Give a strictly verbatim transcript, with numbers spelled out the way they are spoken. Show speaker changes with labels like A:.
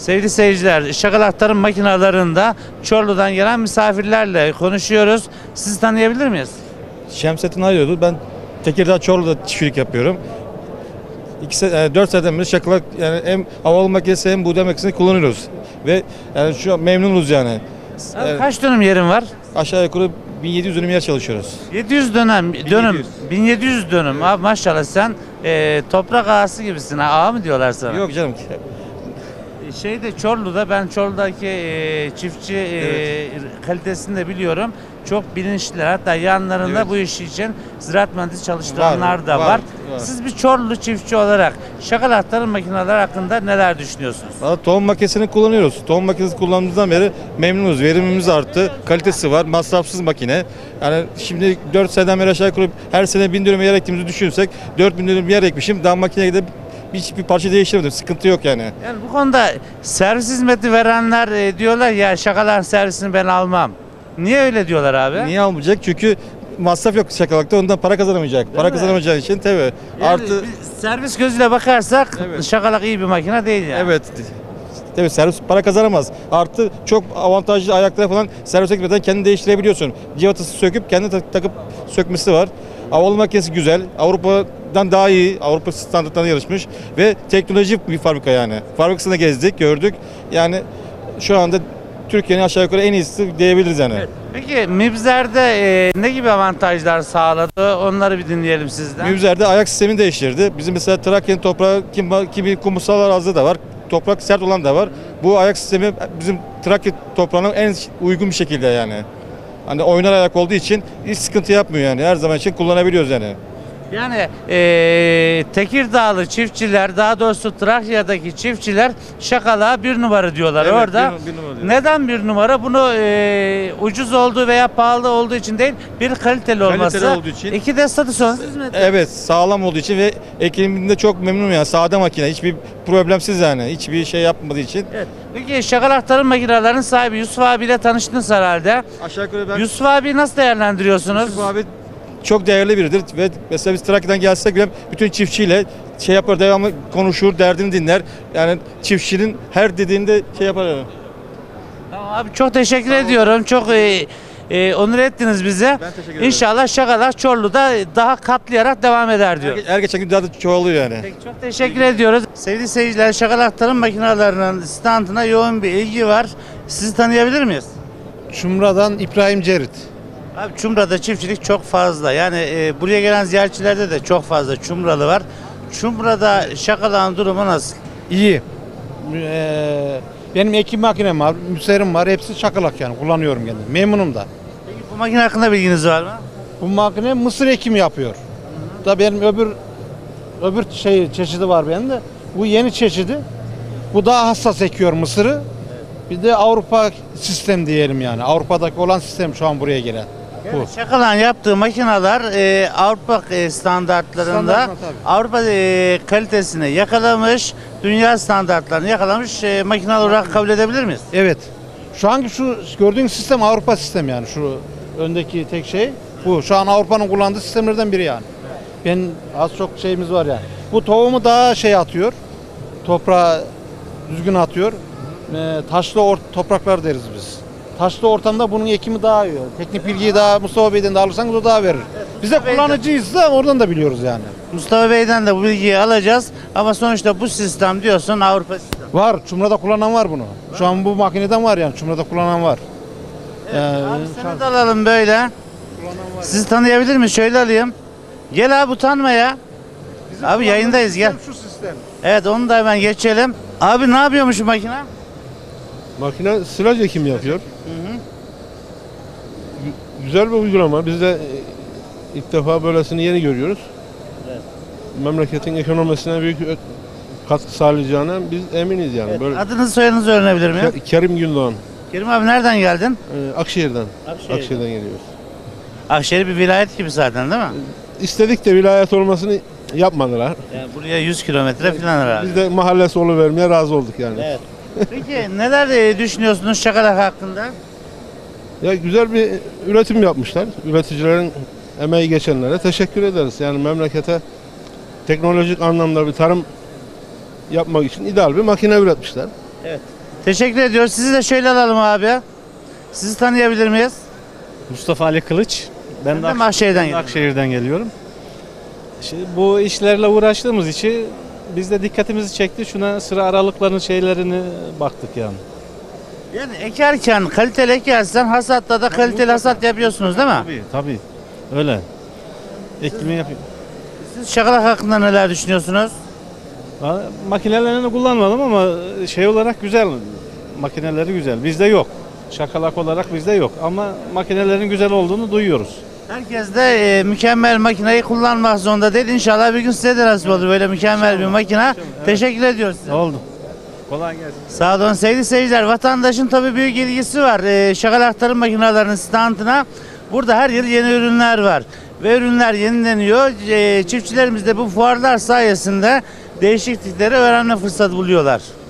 A: Sevgili seyirciler, şakal aktarım makinalarında Çorlu'dan gelen misafirlerle konuşuyoruz. Sizi tanıyabilir miyiz?
B: Şemsettin Aydoğdu. Ben Tekirdağ Çorlu'da çiftçilik yapıyorum. İki, dört seneden beri şakalak yani hem havalı makinesi hem buğday makinesini kullanıyoruz. Ve yani şu an memnunuz yani.
A: Abi
B: Evet,
A: kaç dönüm yerin var?
B: aşağı yukarı bin yedi yüz dönüm yer çalışıyoruz.
A: yedi yüz dönem, dönüm, bin yedi yüz dönüm. Abi maşallah sen e, toprak ağası gibisin. Ha, ağa mı diyorlar sana?
B: Yok canım.
A: Şeyde Çorlu'da ben Çorlu'daki e, çiftçi e,
B: Evet.
A: kalitesini de biliyorum. Çok bilinçliler. Hatta yanlarında
B: Evet.
A: bu iş için ziraat mühendisi çalıştıranlar
B: Var,
A: da var.
B: var, var.
A: Siz bir Çorlu çiftçi olarak şakal aktarım makineleri hakkında neler düşünüyorsunuz?
B: Valla tohum makinesini kullanıyoruz. Tohum makinesi kullandığımızdan beri memnunuz. Verimimiz arttı. Kalitesi var. Masrafsız makine. Yani şimdi dört seneden beri aşağı yukarı her sene bin dönüm yer ektiğimizi düşünürsek dört bin dönüm yer ekmişim. Daha makineye gidip hiçbir parça değiştirmedim. Sıkıntı yok yani.
A: Yani bu konuda servis hizmeti verenler e, diyorlar ya şakalar servisini ben almam. Niye öyle diyorlar abi?
B: Niye almayacak? Çünkü masraf yok şakalakta. Ondan para kazanamayacak. Para
A: mi?
B: kazanamayacağı için tabii.
A: Yani
B: Artı
A: bir servis gözüyle bakarsak
B: Evet.
A: şakalak iyi bir makine değil yani.
B: evet. Evet, servis para kazanamaz. Artı çok avantajlı ayaklara falan servis ekmeden kendini değiştirebiliyorsun. Civatası söküp kendi tak- takıp sökmesi var. Havalı makinesi güzel. Avrupa'dan daha iyi. Avrupa standartlarına yarışmış. Ve teknolojik bir fabrika yani. Fabrikasını gezdik, gördük. Yani şu anda Türkiye'nin aşağı yukarı en iyisi diyebiliriz yani.
A: Evet. Peki Mibzer'de e, ne gibi avantajlar sağladı? Onları bir dinleyelim sizden.
B: Mübzer'de ayak sistemini değiştirdi. Bizim mesela Trakya'nın toprağı kimi, kimi kumsal arazide de var. Toprak sert olan da var. Bu ayak sistemi bizim Trakya toprağına en uygun bir şekilde yani. Hani oynar ayak olduğu için hiç sıkıntı yapmıyor yani. Her zaman için kullanabiliyoruz yani.
A: Yani e, Tekirdağlı çiftçiler, daha doğrusu Trakya'daki çiftçiler şakala bir numara diyorlar
B: Evet,
A: orada.
B: bir- bir numara diyor.
A: Neden bir numara? Bunu e, ucuz olduğu veya pahalı olduğu için değil, bir kaliteli olması.
B: olduğu için.
A: İki de statüsünüz hizmeti.
B: Evet, sağlam olduğu için ve ekiminde çok memnunum yani. Sade makine, hiçbir problemsiz yani. Hiçbir şey yapmadığı için.
A: Evet. Peki şakal aktarım makinelerinin sahibi Yusuf abiyle tanıştınız herhalde.
B: Aşağı yukarı ben
A: Yusuf abi nasıl değerlendiriyorsunuz?
B: Yusuf abi çok değerli biridir ve mesela biz Trakya'dan gelsek bile bütün çiftçiyle şey yapar, devamlı konuşur, derdini dinler. Yani çiftçinin her dediğinde şey yapar yani.
A: Tamam abi, çok teşekkür ediyorum. Çok e, e, onur ettiniz bize.
B: Ben teşekkür ederim.
A: İnşallah şakalar Çorlu'da daha katlayarak devam eder diyor.
B: Her, her geçen gün daha da çoğalıyor yani.
A: Peki, çok teşekkür ediyoruz. Sevgili seyirciler, şakal aktarım makinelerinin standına yoğun bir ilgi var. Sizi tanıyabilir miyiz?
C: Çumra'dan İbrahim Cerit.
A: Abi Çumra'da çiftçilik çok fazla. Yani e, buraya gelen ziyaretçilerde de çok fazla Çumralı var. Çumra'da şakalağın durumu nasıl?
C: İyi. Ee, benim ekim makinem var, müserim var. Hepsi çakalak yani kullanıyorum kendim. Memnunum da.
A: Peki bu makine hakkında bilginiz var mı?
C: Bu makine mısır ekimi yapıyor. Da benim öbür öbür şey çeşidi var benim de. Bu yeni çeşidi. Bu daha hassas ekiyor mısırı. Bir de Avrupa sistem diyelim yani. Avrupa'daki olan sistem şu an buraya gelen. Bu.
A: Yani şakalağın yaptığı makineler e, Avrupa e, standartlarında
C: Standartına tabii.
A: Avrupa e, kalitesini yakalamış, dünya standartlarını yakalamış e, makine olarak kabul edebilir miyiz?
C: Evet. Şu anki şu gördüğün sistem Avrupa sistemi yani şu öndeki tek şey bu. Şu an Avrupa'nın kullandığı sistemlerden biri yani. Ben az çok şeyimiz var yani. Bu tohumu daha şey atıyor. Toprağa düzgün atıyor. Ee, taşlı or topraklar deriz biz. Taşlı ortamda bunun ekimi daha iyi. Teknik bilgiyi daha Mustafa Bey'den de alırsanız o daha verir. Biz de kullanıcıyız da oradan da biliyoruz yani.
A: Mustafa Bey'den de bu bilgiyi alacağız ama sonuçta bu sistem diyorsun Avrupa sistemi.
C: Var. Çumra'da kullanan var bunu. Şu an bu makineden var yani. Çumra'da kullanan var. Ee,
A: Abi seni de alalım böyle. Sizi tanıyabilir miyiz? Şöyle alayım. Gel abi, utanma ya. Abi yayındayız, gel.
C: Şu sistem.
A: Evet, onu da hemen geçelim. Abi ne yapıyormuş bu makine?
D: Makine silaj ekimi yapıyor. Gü- Güzel bir uygulama. Biz de e, ilk defa böylesini yeni görüyoruz.
A: Evet.
D: Memleketin ekonomisine büyük ö- katkı sağlayacağına biz eminiz yani.
A: Evet.
D: Böyle
A: Adınızı soyadınızı öğrenebilir miyim?
D: Ke- Kerim Gündoğan,
A: Kerim abi nereden geldin?
D: e, Akşehir'den.
A: Akşehir'den.
D: Akşehir'den geliyoruz.
A: Akşehir bir vilayet gibi zaten değil mi?
D: İstedik de vilayet olmasını yapmadılar.
A: Yani buraya yüz kilometre falan herhalde.
D: Biz de mahallesi oluvermeye razı olduk yani.
A: Evet. Peki neler e, düşünüyorsunuz şakalak hakkında?
D: Ya güzel bir üretim yapmışlar. Üreticilerin emeği geçenlere teşekkür ederiz. Yani memlekete teknolojik anlamda bir tarım yapmak için ideal bir makine üretmişler.
A: Evet. Teşekkür ediyoruz. Sizi de şöyle alalım abi. Sizi tanıyabilir miyiz?
E: Mustafa Ali Kılıç. Ben,
A: Ben
E: de
A: de Mahşehir'den
E: ben de
A: geliyorum.
E: Akşehir'den geliyorum. Şimdi bu işlerle uğraştığımız için biz de dikkatimizi çekti. Şuna sıra aralıklarının şeylerini baktık yani.
A: Yani ekerken kaliteli ekersen hasatta da kaliteli hasat yapıyorsunuz değil mi?
E: Tabii tabii. Öyle. Ekimi yapıyor.
A: Siz şakalak hakkında neler düşünüyorsunuz?
E: Ha, Makinelerini kullanmadım ama şey olarak güzel. Makineleri güzel. Bizde yok. Şakalak olarak bizde yok. Ama makinelerin güzel olduğunu duyuyoruz.
A: Herkes de e, mükemmel makineyi kullanmak zorunda değil. İnşallah bir gün size de nasip olur böyle mükemmel bir makine.
E: Evet.
A: Teşekkür ediyoruz size.
E: Ne oldu? Kolay gelsin.
A: Sağ olun sevgili seyirciler. Vatandaşın tabii büyük ilgisi var. E, şakalak tarım makinelerinin standına. Burada her yıl yeni ürünler var. Ve ürünler yenileniyor. E, çiftçilerimiz de bu fuarlar sayesinde değişiklikleri öğrenme fırsatı buluyorlar.